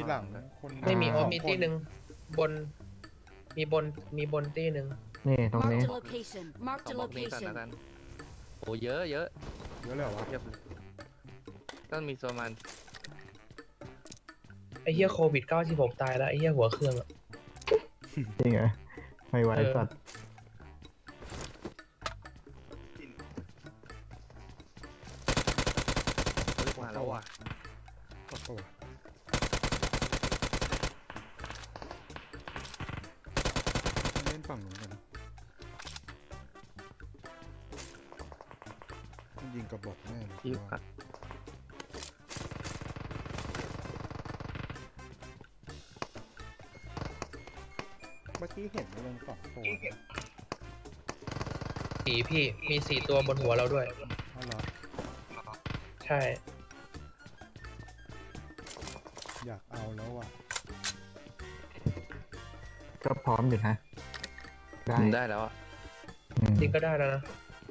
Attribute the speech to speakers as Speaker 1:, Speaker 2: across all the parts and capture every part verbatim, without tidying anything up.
Speaker 1: หลังคน
Speaker 2: ไม่มี
Speaker 3: อ่า
Speaker 2: โอมีตีหนึ่งบน มีบนมีบนตีหนึ่ง
Speaker 3: นี่ตรงนี้
Speaker 4: Marked a location.
Speaker 5: ส
Speaker 4: Marked
Speaker 5: อง
Speaker 4: a
Speaker 5: บล็อกนี้ก่อน
Speaker 4: location.
Speaker 5: แล้วกันโอ้เยอะเยอะ
Speaker 1: เยอะเลยเหรอวะ
Speaker 5: เทียบเลยต้องมีประมาณ
Speaker 2: ไอ้เหี้ยโควิดเก้าสิบหกตายแล้วไอ้เหี้ยหัวเครื่องอะ
Speaker 3: จริงเหรอไม่ไหว
Speaker 2: เออ
Speaker 3: สัตว์
Speaker 5: เฮ้ยมาแล้วว่ะ
Speaker 1: โอ้โหเล่นฝั่งนู้นกันนะมันยิงกระบอกแน่เลย
Speaker 5: ที่
Speaker 1: ว่า
Speaker 5: พัก
Speaker 1: เมื่อกี้เห็นมันลงสองตัวนะ
Speaker 2: สี่พี่มีสี่ตัวบนหัวเราด้วย
Speaker 1: อ๋อเหรอ
Speaker 2: ใช่
Speaker 1: อยากเอาแล้วอ่ะ
Speaker 3: ก็พร้อมอยู่นะได้
Speaker 5: ได้แล้วอ่ะ
Speaker 3: อืม
Speaker 2: จริงก็ได้แล้วนะ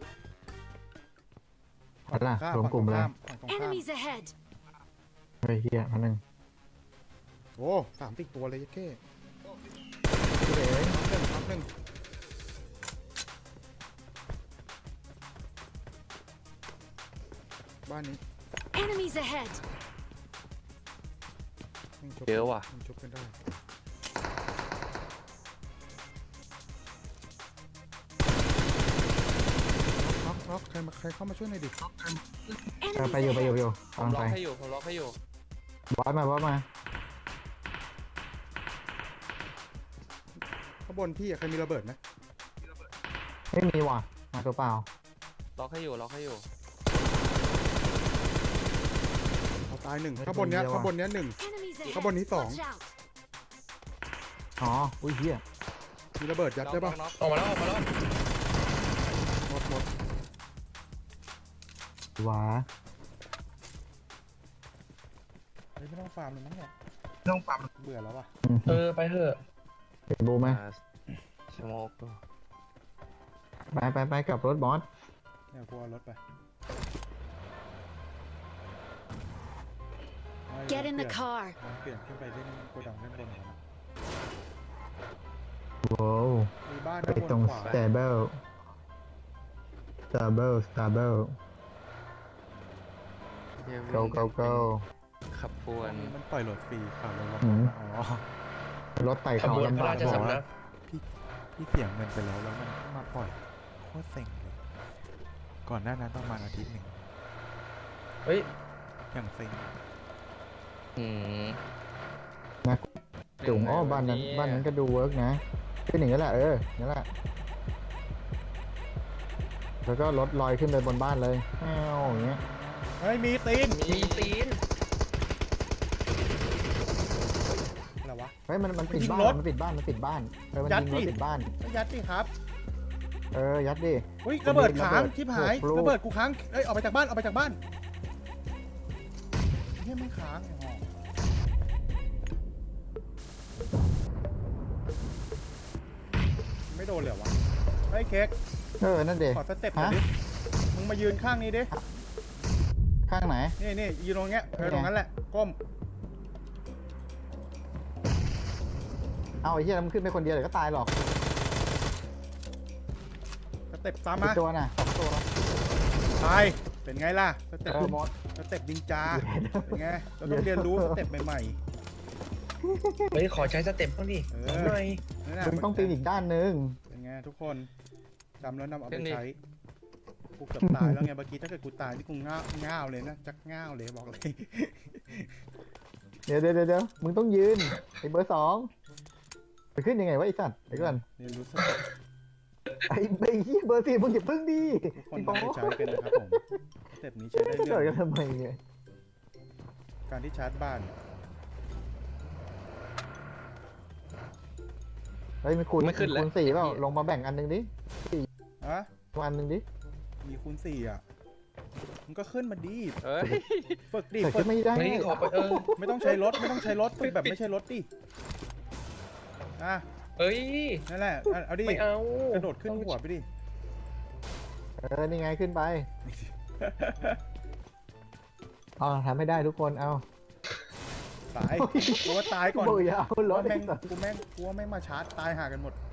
Speaker 3: เอาล่ะ
Speaker 1: ข้าม
Speaker 3: รวม
Speaker 1: ฝั่ง
Speaker 3: กลุ่ม
Speaker 1: ตรง
Speaker 3: เลย
Speaker 1: ข้ามฝั่งตรงข้าม
Speaker 4: Enemies ahead.
Speaker 3: เฮ้ยเฮียอันหนึ่ง
Speaker 1: โอ้สามติดตัวเลยยัดเข้
Speaker 3: พี่เอ๋ย
Speaker 1: พักหนึ่งพักหนึ่งบ้านนี้
Speaker 4: Enemies ahead.
Speaker 1: ยังชก
Speaker 5: เยอะว่ะ
Speaker 1: ยังชกกันได้น็อกน็อกใครมาใครเข้ามาช่วยหน่อยดิ
Speaker 3: เออ
Speaker 4: Enemies
Speaker 3: ไปอยู่ไปอยู่ไป
Speaker 4: ahead.
Speaker 3: อยู่
Speaker 5: ผ
Speaker 3: กำ
Speaker 5: ม
Speaker 3: ลัง
Speaker 5: ล็อ
Speaker 3: ไป
Speaker 5: กให้อยู่ผมล็อกให้อยู่
Speaker 3: บอสมาบอสมา
Speaker 1: ข้างบนพี่อะใครมีระเบิดไหม
Speaker 3: ไม่มีว่ะมาตัวเปล่า
Speaker 5: ล็อกให้อยู่ล็อกให้อยู่
Speaker 1: เอาตายหนึ่ง
Speaker 3: ไม่
Speaker 1: ข้างบนเนี้ย
Speaker 3: คนเดียวอะ
Speaker 1: ข้างบนเนี้ยหนึ่ง
Speaker 4: Enemies ahead.
Speaker 1: ข้างบนนี้สอง
Speaker 4: Watch out.
Speaker 3: อ๋ออุ้ยเฮีย
Speaker 1: มีระเบิดยัดได้ปะ
Speaker 5: น็อก
Speaker 2: ออกมาแล้วออกมาแล้ว
Speaker 1: หมดหมด
Speaker 3: หวา
Speaker 1: เฮ้ยไม่ต้องฟาร์มเลยมั้งเนี่ย
Speaker 2: ต้องปั๊ม
Speaker 1: เบื่อแล้วว่ะ
Speaker 2: เออไปเถอะ
Speaker 3: เห็นบูไหม
Speaker 5: อ่าสโมก
Speaker 3: ไปไปไปกับรถบอส
Speaker 1: เนี่ยกลัวรถไป
Speaker 4: Get in the car.
Speaker 1: เปลี่ยนขึ้นไปเล่นโกดังเล่นบนก่อนนะ
Speaker 3: ว้าว
Speaker 1: มีบ้าน
Speaker 3: ไป
Speaker 1: ด้านบ
Speaker 3: ตรง
Speaker 1: นขวา
Speaker 3: สเตเบิลสเตเบิลสเตเบิล go go go
Speaker 5: ขับปว
Speaker 1: อั
Speaker 5: น
Speaker 1: นนี้มันปล่อยโหลดฟรีค่ะเราลอง
Speaker 3: อืม
Speaker 1: อ๋อ
Speaker 3: รถไต่
Speaker 2: ข
Speaker 3: เขา
Speaker 2: บวนพ
Speaker 3: ลำ
Speaker 2: ระ
Speaker 3: บาก
Speaker 2: ราช
Speaker 3: บอก
Speaker 2: สำนัก
Speaker 1: พี่เสียเงินไปแล้วแล้วมันเพิ่งมาปล่อยโคตรเซ็งเลยก่อนหน้านั้นประมาณอาทิตย์หนึ่ง
Speaker 2: เฮ้ย
Speaker 1: อย่างเซ็ง
Speaker 5: อืม
Speaker 3: จุ๋มอ้อบ้านนั้นบ้านนั้นก็ดูเวิร์กนะขึ้นอย่างนี้แหละเออนั่นแหละแล้วก็รถลอยขึ้นไปบนบ้านเลยแอ้วอย่างเงี้ย
Speaker 1: เฮ้ยมีตีน
Speaker 2: มีตีน
Speaker 1: อะไรวะ
Speaker 3: เฮ้ยมันมันปิด
Speaker 1: ยิง
Speaker 3: บ้าน
Speaker 1: รถ
Speaker 3: มันปิดบ้านมันปิดบ้านเออมัน
Speaker 1: ยัด
Speaker 3: ยิงรถ
Speaker 1: ดิ
Speaker 3: ปิดบ้าน
Speaker 1: ไม่ยัดดิครับ
Speaker 3: เออยัดดิ
Speaker 1: เฮ้ยระเบิดค้าง
Speaker 3: ระเบิด
Speaker 1: ชิบหาย
Speaker 3: หกลูก
Speaker 1: ระเบิดกูค้างเอ้ยออกไปจากบ้านออกไปจากบ้านเฮ้ยไม่ค้างไอ้ห่อไม่โดนเลยเหรอวะเฮ้ยเค้ก
Speaker 3: เออนั่นเด็
Speaker 1: ขอสเต็ปหน่อยดิมึงมายืนข้างนี้ดิ
Speaker 3: ข้างไหน
Speaker 1: นี่นี่ยืนตรงเงี้ยเออ
Speaker 3: นี่ไง
Speaker 1: ตรงนั้นแหละก้ม
Speaker 3: เอาไอ้เหี้ยแล้วมันขึ้นไปคนเดียวเดี๋ยวก็ตายหรอก
Speaker 1: สเต็ปตาม
Speaker 3: กี่
Speaker 1: มา
Speaker 3: ตัวน่ะสองตัว
Speaker 1: ตายเป็นไงล่ะสเต็ป
Speaker 3: เออหมด
Speaker 1: สเต็ปดิงจาเป็นไงเราต้องเรียนรู้สเต็ปใหม่
Speaker 2: เฮ้ยขอใช้สเต็ปบ้างดิ
Speaker 1: เออ
Speaker 2: สองหน่อย
Speaker 1: ๆนั่นน่ะ
Speaker 3: มึงต้องปีนอีกด้านหนึง
Speaker 1: เป็นไงทุกคนจำแล้วนำเอาไปใช้กูเกือบตายแล้วไงเมื่อกี้ถ้าเกิดกูตายนี่กูง่าวง่าวเลยนะจักง่าวเลยบอกเลย
Speaker 3: เดี๋ยวเดี๋ยวเดี๋ยวมึงต้องยืนไอ้เบอร์สองไปขึ้นยังไงวะไอ้สัตว์เดี๋ยวก่อน
Speaker 1: เรียนรู้สเต็ป
Speaker 3: ไอ้ไอ้เหี้ยเบอร์สี่มึงอย่าพึ่งดิ
Speaker 1: ทุกคน
Speaker 3: ไอ้ปอ
Speaker 1: นำไปใช้กันนะครับผมสเต็ปนี้ใช้ได้
Speaker 3: เกิด
Speaker 1: เรื่
Speaker 3: กั
Speaker 1: อน ง
Speaker 3: ทำไมเนี่ย
Speaker 1: การที่ชาร์จบ้าน
Speaker 3: เฮ้ยมีคูณ
Speaker 5: ไม่ขึ้นแล้ว
Speaker 3: คูณสี่เปล่าลงมาแบ่งอันหนึ่งดิ
Speaker 1: อะ
Speaker 3: อันหนึ่งดิ
Speaker 1: มีคูณสี่อ่ะมันก็ขึ้นมาดี
Speaker 5: เอ้ย
Speaker 1: ฝึกดิ
Speaker 3: แต่
Speaker 1: ฝึ
Speaker 3: ก็
Speaker 1: ก
Speaker 3: ไม่ได้
Speaker 2: เฮ้ยขอไปเออ
Speaker 1: ไม่ต้องใช้รถไม่ต้องใช้รถฝึกแบบไม่ใช่รถดิอ่ะ
Speaker 2: เฮ้ย
Speaker 1: นั่นแหละอ่ะเอาดิ
Speaker 2: ไม่เอา
Speaker 1: กระโดดขึ้นหัวไปดิ
Speaker 3: เออนี่ไงขึ้นไปเอาทำไม่ได้ทุกคนเอา
Speaker 1: ตายกูว่าตายก่อน
Speaker 3: โอ้ยเอา
Speaker 1: กู
Speaker 3: รถ
Speaker 1: ว่าแม่ง
Speaker 3: ไอ้สัตว์
Speaker 1: กูแม่งกูว่าแม่งมาชาร์จตายหากันหมด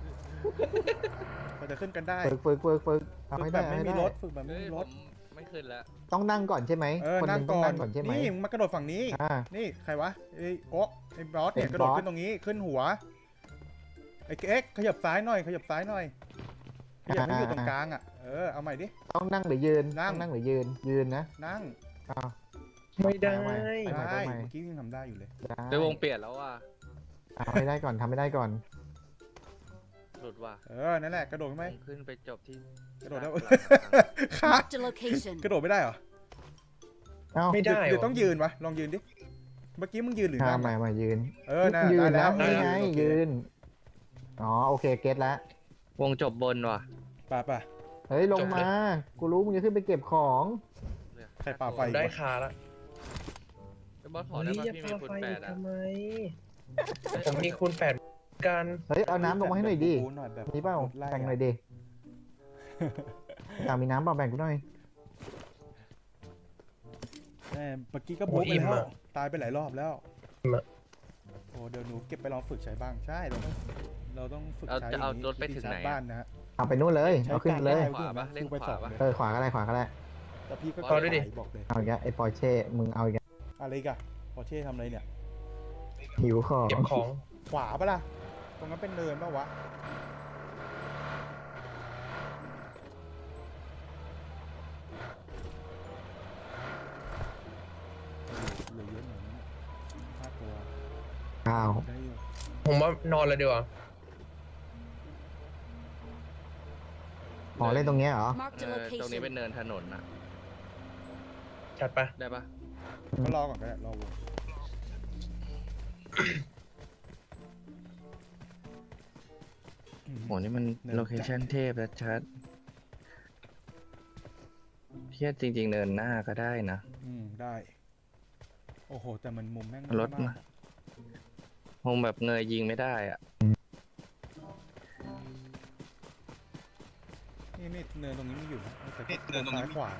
Speaker 1: เราจะขึ้นกันได้
Speaker 3: ฝึกฝึกฝึกฝึกทำ
Speaker 1: ฝึ
Speaker 3: ให้
Speaker 1: กแบ
Speaker 3: ได้
Speaker 1: บ
Speaker 3: ทำ
Speaker 1: ไม่
Speaker 3: ให้
Speaker 1: มี
Speaker 3: ได้
Speaker 1: รถฝึกแบบไม่
Speaker 5: เฮ้ย
Speaker 1: มี
Speaker 5: ผ
Speaker 1: รถ
Speaker 5: มไม่ขึ้นแล้ว
Speaker 3: ต้องนั่งก่อนใช่ไหม
Speaker 1: เออ
Speaker 3: คนห
Speaker 1: นั่
Speaker 3: นึ่
Speaker 1: ง
Speaker 3: งต้อ
Speaker 1: ก่
Speaker 3: ง
Speaker 1: อน
Speaker 3: นั่งก่อนใช่ไหม
Speaker 1: นี่มึงมากระโดดฝั่งนี้
Speaker 3: อ่า
Speaker 1: นี่ใครวะไอ้โอ๊กไอ้บอสเนี่ย
Speaker 3: เป็น
Speaker 1: กระโดด
Speaker 3: บอส
Speaker 1: ขึ้นตรงนี้ขึ้นหัวไอ้เอ็กขยับซ้ายหน่อยขยับซ้ายหน่อยขยับให้อยู่ตรงกลางอ่ะเออเอาใหม่ดิ
Speaker 3: ต้องนั่งหรือยืน
Speaker 1: นั่ง
Speaker 3: ต้องนั่งหรือยืนยืนนะ
Speaker 1: นั่ง
Speaker 3: อ้าว
Speaker 2: ไม่ได้
Speaker 3: เอาใหม่เอาใหม่
Speaker 1: ได้
Speaker 3: เอาใหม่
Speaker 1: เมื่อกี้ยังทำได้อยู่เลย
Speaker 3: ได้
Speaker 5: เดี๋ยววงเปลี่ยนแล้วว่ะ
Speaker 3: ทำให้ได้ก่อนทำให้ได้ก่อน
Speaker 5: หลุดว่ะ
Speaker 1: เออนั่นแหละกระโดดขึ้นไหม
Speaker 5: วงขึ้นไปจบที่
Speaker 1: กระโดดได้
Speaker 5: หลัง
Speaker 1: ขาด
Speaker 4: Marked a location.
Speaker 1: กระโดดไม่ได้เหรอ
Speaker 3: เอ้า
Speaker 2: ไม่ได้
Speaker 1: เดี๋ยว
Speaker 2: วะ
Speaker 1: ต้องยืนวะลองยืนดิเมื่อกี้มึงยืนหรือนั่ง
Speaker 3: ทำไม
Speaker 1: อะ
Speaker 3: มายืน
Speaker 1: เออน่ะ
Speaker 3: ยื
Speaker 1: ได้
Speaker 3: น
Speaker 1: แล้
Speaker 3: แล้ว วนี่ไง
Speaker 1: โอเค
Speaker 3: ยืนอ๋อโอเคเก็ตแล้ว
Speaker 5: วงจบบนว่ะ
Speaker 1: ป่ะป่ะ
Speaker 3: เฮ้ยลงมากูรู้มึงจะขึ้นไปเก็บของ
Speaker 1: ใครป่าไฟ
Speaker 2: ได้คาละ
Speaker 5: ไอ้บอสขอได้
Speaker 2: เฮ้ย
Speaker 5: ป่ะ
Speaker 2: อย่า
Speaker 5: พี่มี
Speaker 2: พา
Speaker 5: คูณ
Speaker 2: ไฟ
Speaker 5: แปดอ่ะ
Speaker 2: ทำไม ผมมีคูณแปดกัน
Speaker 3: เฮ้ยเอาน้ำลงมาให้หน่อยดิ
Speaker 1: บู๊หน่อยแบบ
Speaker 3: มีเปล่า
Speaker 1: ไล่
Speaker 3: แบ่ง
Speaker 1: อะ
Speaker 3: หน่อยดิอยากมีน้ำเปล่าแบ่งกูหน่อย
Speaker 1: แม่เมื่อกี้ก็บุ๊กไปแล้วตายไปหลายรอบแล้วโอ้เดี๋ยวหนูเก็บไปลองฝึกใช้บ้างใช่เราต้องเราต้องฝึก
Speaker 5: เอา
Speaker 1: ใช้
Speaker 5: จะเอา
Speaker 1: ย่งนี้
Speaker 5: รถไปถึงไหน
Speaker 1: ที่ชาร์จบ้านนะฮะ
Speaker 3: เอาไปนู่นเลย
Speaker 1: ใช้
Speaker 3: เอาขึ้นเลย
Speaker 1: การ
Speaker 5: ขวาปะเล่น
Speaker 1: ไป
Speaker 5: ข
Speaker 1: ส
Speaker 5: วา
Speaker 1: อง
Speaker 5: ปะ
Speaker 1: เลย
Speaker 3: เออขวาก็ได้ขวาก็ได้
Speaker 1: แต่พี่ก็
Speaker 5: เอา
Speaker 2: ด้วยดิ
Speaker 1: ไหวบอกเลย
Speaker 3: เอาอีกแล้วไอ้ปอร์เช่มึงเอาอีกแล้ว
Speaker 1: อะไรอีกันพอเช่ทำอะไรเนี่ย
Speaker 3: หิวของ
Speaker 2: เก็บของ
Speaker 1: ขวาปะล่ะตรงนั้นเป็นเนินปะวะเหลือเยอะหน่อยนะห้าตัว
Speaker 3: อ้าว
Speaker 1: ได้อยู่
Speaker 2: ผมว่านอนเลยดีกว่า
Speaker 3: อ๋อเล่นตรงเนี้ยเหรอ
Speaker 4: Marked
Speaker 5: เอ
Speaker 4: a
Speaker 5: อตรงนี้เป็น
Speaker 4: location.
Speaker 5: เนินถนนอ่ะ
Speaker 2: ชัดปะ
Speaker 5: ได้ปะ
Speaker 1: ก็รอก่อนก็ได้รอวง
Speaker 5: โหนี่มันโลเคชั่นเทพแล้วชัดเทียจริง ๆ เนินหน้าก็ได้นะ
Speaker 1: อืมได้ โอ้โห แต่มันมุมแม่ง
Speaker 5: รถ
Speaker 1: น้อย
Speaker 5: มา
Speaker 1: มาก
Speaker 5: คงแบบเงยยิงไม่ได้อ่ะ
Speaker 1: นี่นี่เนินตรงนี้ไม่อยู่นะแต่เนินตรงซ้ายขวา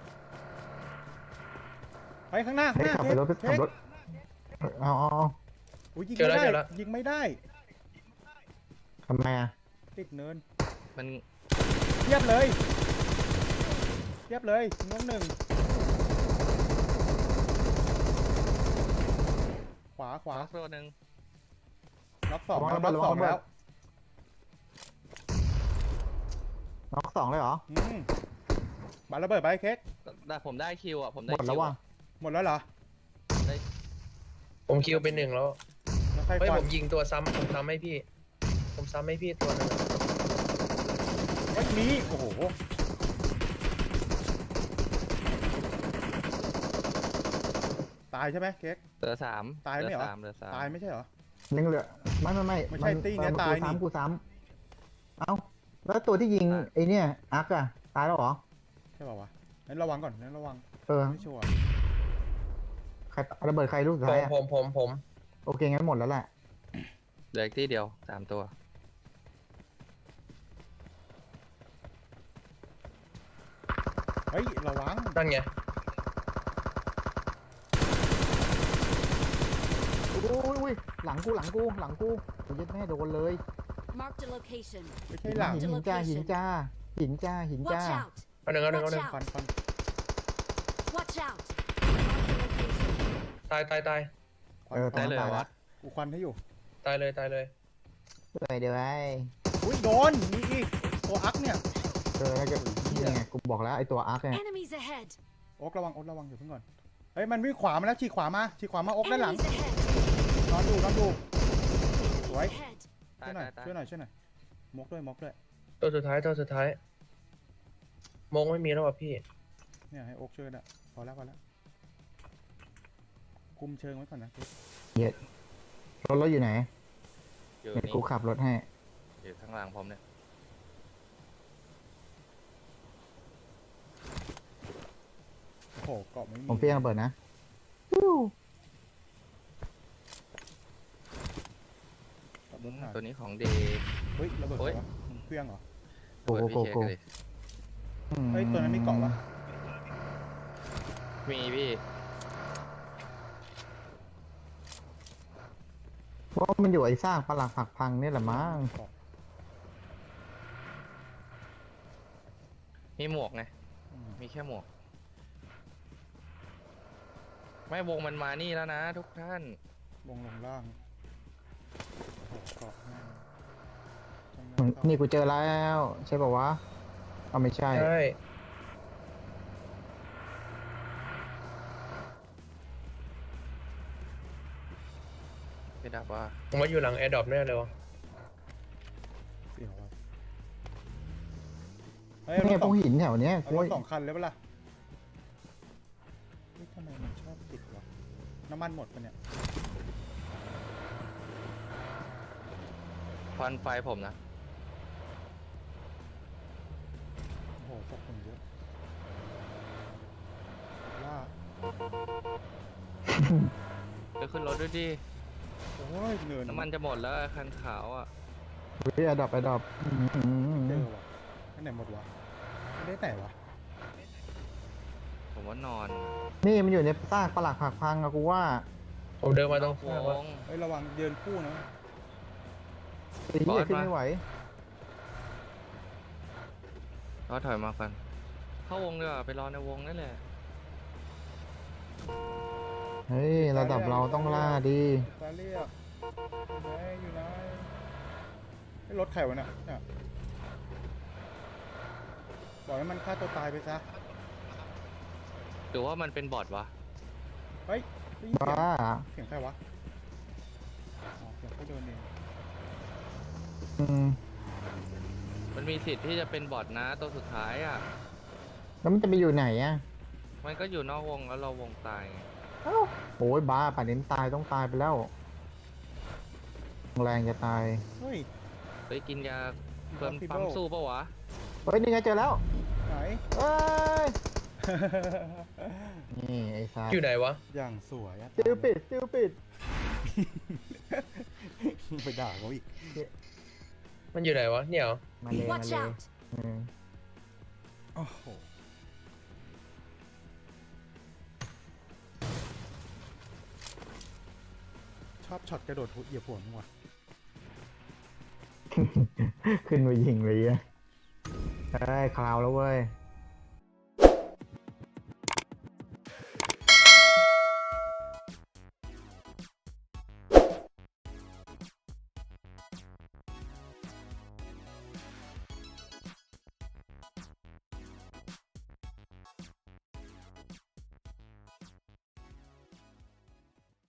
Speaker 1: ไปข้างหน้าข้าง
Speaker 3: เฮ้
Speaker 1: ห
Speaker 3: ย
Speaker 1: น้า
Speaker 3: ขับไปรถ
Speaker 1: เท
Speaker 3: ขับ
Speaker 1: ค
Speaker 3: รถเอาเอาเอา
Speaker 1: อุ้ยยิง
Speaker 2: เจอ
Speaker 1: ไม่
Speaker 2: แล้ว
Speaker 1: ได้
Speaker 2: เจอแล้ว
Speaker 1: ยิงไม่ได้
Speaker 3: ทำไมอ่ะ
Speaker 1: ติดเนิน
Speaker 5: มัน
Speaker 1: เทียบเลยเทียบเลยน้องหนึ่งขวาขวา
Speaker 5: ล็อกตัวหนึ่ง
Speaker 1: ล็อกสอง
Speaker 3: ระวัง
Speaker 1: แล้ว
Speaker 3: ระ
Speaker 1: ล็
Speaker 3: เบิ
Speaker 1: อ
Speaker 3: ด
Speaker 1: ก
Speaker 3: ระวัง
Speaker 1: สอง
Speaker 3: ระเบิด
Speaker 1: แล้ว
Speaker 3: น็อกสองเลยเหรอ
Speaker 1: อืมบาระเบิดไปเค้ก
Speaker 5: แต่ผมได้คิวอ่ะ ผม
Speaker 3: ห
Speaker 5: ได้
Speaker 3: มด
Speaker 5: คิ
Speaker 3: แล้ว
Speaker 5: ว
Speaker 3: ว่ะ
Speaker 5: อะ
Speaker 1: หมดแล้วเหรอ
Speaker 2: ผมคิวเป็นหนึ่งแล้ว
Speaker 1: แล้วใคร
Speaker 2: เฮ้ย
Speaker 1: ควั
Speaker 2: ผ
Speaker 1: น
Speaker 2: มยิงตัวซ้ำผมซ้ำให้พี่ ผมซ้ำให้พี่ตัวหนึงอะ
Speaker 1: เฮ้ยมีโอ้โหตายใช่ไหมเค้ก
Speaker 5: เหลือสาม
Speaker 1: ตายไหมเหรอ
Speaker 5: ลือสามเหลือสาม
Speaker 1: ตายไม่ใช่เหรอ
Speaker 3: ยังเหลือไม่ไม่ไม่
Speaker 1: ไม่ใช่ตี้เนี่ย
Speaker 3: มั
Speaker 1: ตายนี่
Speaker 3: กูซ้ำกูซ้ำเอ้าแล้วตัวที่ยิงไอ้เนี่ยอาร์คอะตายแล้วเหรอ
Speaker 1: ใช่ป่าวะงั้นระวังก่อนงั้นระวัง
Speaker 3: เออ
Speaker 1: ไม่ชัวร์
Speaker 3: ใครระเบิดใครลูกสุด
Speaker 2: ผ
Speaker 3: ท้าย
Speaker 2: ม
Speaker 3: อะ
Speaker 2: ผมผมผม
Speaker 3: โอเคงั้นหมดแล้วแหละ
Speaker 5: เหลืออีกที่เดียวสามตัว
Speaker 1: เฮ้ยระวัง
Speaker 2: นั่นไง
Speaker 3: อุ้ยอุ้ยหลังกูหลังกูหลังกูกูยัดแม่โดนเลย
Speaker 4: Marked a location.
Speaker 1: ไม่ใช่หลัง
Speaker 3: หินหินจ้าหินจ้าหินจ้าหินจ้า
Speaker 4: Watch out.
Speaker 2: เอาหนึ่งเอาหนึ่งเอาหนึ่ง
Speaker 1: ควันควัน
Speaker 4: Watch out. Marked a location.
Speaker 2: ตายตายตาย
Speaker 1: ควัน
Speaker 3: เออ
Speaker 1: ควัน
Speaker 5: ได้เลยเหรอ
Speaker 3: ตายละ
Speaker 5: วะ
Speaker 1: กูควันให้อยู่
Speaker 2: ตายเลยตายเลย
Speaker 3: เลยเดี๋ยวไอ้
Speaker 1: อุ้ยโดนมีอีกตัวอักเนี่ย
Speaker 3: เออแล้วก็นี่ไงกูบอกแล้วไอ้ตัวอาร์คเนี่ย
Speaker 4: Enemies ahead.
Speaker 1: โอ๊กระวังโอ๊กระวังอยู่เพิ่งก่อนเฮ้ยมันวิ่งขวามาแล้วฉีกขวามาฉีกขวามาโอ๊กด้านหลัง
Speaker 4: Enemies ahead.
Speaker 1: นอนดูนอนดูสวย
Speaker 4: Enemies ahead.
Speaker 5: ตา
Speaker 1: ช่วยหน่อย
Speaker 5: ยตายตาย
Speaker 1: ช่วยหน่อยช่วยหน่อยมกด้วยมกด้วย
Speaker 2: ตัวสุดท้ายตัวสุดท้ายมงไม่มีแล้วว่ะพี่
Speaker 1: เนี่ยให้โอ๊กช่วยนะพอแล้วพอแล้วคุมเชิงไว้ก่อนนะ
Speaker 3: รถรถอยู่ไหน
Speaker 5: อยู่
Speaker 3: เดี๋ยว
Speaker 5: นี่
Speaker 3: กูขับรถให้
Speaker 5: อยู่ข้างหลังผมเนี่ย
Speaker 1: โอ้โหเกาะไม่มี
Speaker 3: ผมเพี้ยงระเบิดนะ
Speaker 1: ขับรถหา
Speaker 5: ตัวนี้ของดี
Speaker 1: เฮ้ยระเบิด
Speaker 5: โอ๊ย
Speaker 1: ใครวะมึงเครื่องเหรอ
Speaker 3: โกโกโกโก
Speaker 5: เปิดพี่เช็คเลย
Speaker 1: เฮ้ยตัวนั้นมีเกาะปะ
Speaker 5: มีพี่
Speaker 3: เพราะว่ามันอยู่ไอ้สร้างปลักผักพังนี่แหละมั้ง
Speaker 5: มีหมวกไง
Speaker 1: อืม
Speaker 5: มีแค่หมวก ไม่วงมันมานี่แล้วนะทุกท่าน
Speaker 1: วงลงล่างโอ้โหเกาะให้จังหวะ
Speaker 3: อืม
Speaker 1: เข้า
Speaker 3: นี่กูเจอแล้วใช่ป่าวะเอาไม่ใช่
Speaker 2: ใช่
Speaker 5: ไปดับว่า
Speaker 2: ผมว่าอยู่หลังแอร์ดรอปแน่เลยวะ
Speaker 1: เสียวอะเฮ้ย
Speaker 3: เนี่ย
Speaker 1: รถ
Speaker 3: พ
Speaker 1: ส
Speaker 3: ว
Speaker 1: อก ง
Speaker 3: หินแถวเนี้ย
Speaker 1: เอา
Speaker 3: กู
Speaker 1: รถสองคันเลยปะล่ะเฮ้ยทำไมมันชอบติดวะน้ำมันหมดปะเนี่ย
Speaker 5: ควันไฟผมนะ
Speaker 1: โอ้โหพวกคนเยอะว่า
Speaker 5: ไปขึ้นรถด้วยดิ
Speaker 1: โอ้ยเนิน
Speaker 5: น้ำมันจะหมดแล้วคันขาวอ่ะ
Speaker 3: เฮ้ยอะดรอปอะดรอป
Speaker 1: เจอวะไปไหนหมดวะไม่ได้ไหนวะ
Speaker 5: ผมว่านอน
Speaker 3: นี่มันอยู่ในซากปลักผักพังอะกูว่า
Speaker 2: ผมเดินมาตรง
Speaker 5: ว
Speaker 2: ข้างว่าง
Speaker 1: เฮ้ยระวังเดินคู่นะ
Speaker 3: ไอ้เหี้ยขึ้นไม่ไหว
Speaker 5: ก็ถอยมากัน เข้าวงดีกว่าไปรอในวงนั่นแหละ
Speaker 3: เฮ้ยระดับเราต้องล่าดี
Speaker 1: ตาเรียกอยู่ไหนอยู่ไหนไอ้รถใครวะเนี่ยเนี่ยปล่อยให้มันฆ่าตัวตายไปซะ
Speaker 5: หรือว่ามันเป็นบอทวะ
Speaker 1: เฮ้ยได้ยินเสียง
Speaker 3: บ้า
Speaker 1: เสียงใครวะอ๋อเสียงเขาเดินเอง
Speaker 3: อืม
Speaker 5: มันมีสิทธิ์ที่จะเป็นบอทนะตัวสุดท้ายอ่ะ
Speaker 3: แล้วมันจะไปอยู่ไหนอะ
Speaker 5: มันก็อยู่นอกวงแล้วเราวงตายไง
Speaker 3: เอ้าโอ้ยบ้าป่านนี้ตายต้องตายไปแล้ว แรงจะตาย
Speaker 1: เฮ้ย
Speaker 5: ไปกินยาเพิ่ม
Speaker 1: Impossible
Speaker 5: ปั๊มสู้ปะวะ
Speaker 3: เฮ้ยนี่ไงเจอแล้ว
Speaker 1: ไหน
Speaker 3: เอ้ย นี่ไอ้ซา
Speaker 2: อยู่ไหนวะ
Speaker 1: อย่างสวยอะ
Speaker 3: สติวปิดสติวปิด
Speaker 1: ไปด่าเขาอีก
Speaker 2: มันอยู่ไหนวะ เนี่ยเหรอ
Speaker 3: มาเลยมา
Speaker 4: Watch
Speaker 3: เลย
Speaker 4: out!
Speaker 3: อืม
Speaker 1: โอ้โหชอบช็อตกระโดดเหยียบหัวมึงว่ะ
Speaker 3: ขึ้นมายิงเลยอ่ะเอ้ยคลาวแล้วเว้ย